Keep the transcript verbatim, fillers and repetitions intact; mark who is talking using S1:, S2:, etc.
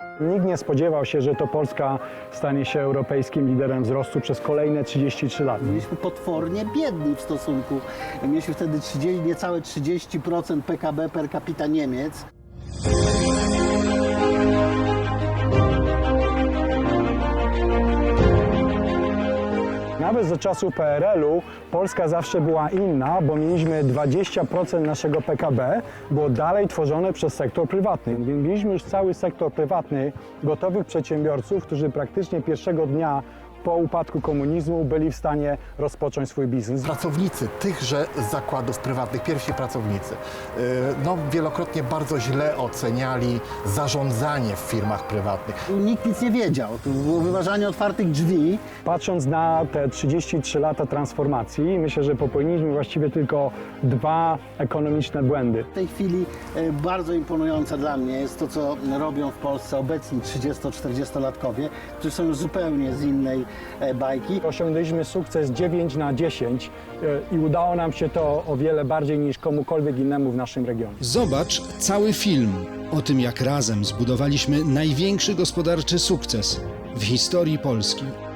S1: Nikt nie spodziewał się, że to Polska stanie się europejskim liderem wzrostu przez kolejne trzydzieści trzy lata.
S2: Byliśmy potwornie biedni w stosunku. Mieliśmy wtedy trzydzieści, niecałe trzydzieści procent P K B per capita Niemiec.
S1: Nawet za czasów P R L-u Polska zawsze była inna, bo mieliśmy dwadzieścia procent naszego P K B było dalej tworzone przez sektor prywatny. Więc mieliśmy już cały sektor prywatny, gotowych przedsiębiorców, którzy praktycznie pierwszego dnia po upadku komunizmu byli w stanie rozpocząć swój biznes.
S3: Pracownicy tychże zakładów prywatnych, pierwsi pracownicy, yy, no, wielokrotnie bardzo źle oceniali zarządzanie w firmach prywatnych.
S2: Nikt nic nie wiedział. To było wyważanie otwartych drzwi.
S1: Patrząc na te trzydzieści trzy lata transformacji, myślę, że popełniliśmy właściwie tylko dwa ekonomiczne błędy.
S2: W tej chwili e, bardzo imponujące dla mnie jest to, co robią w Polsce obecni trzydziesto-czterdziestolatkowie, którzy są już zupełnie z innej e, bajki.
S1: Osiągnęliśmy sukces dziewięć na dziesięć i udało nam się to o wiele bardziej niż komukolwiek innemu w naszym regionie.
S4: Zobacz cały film o tym, jak razem zbudowaliśmy największy gospodarczy sukces w historii Polski.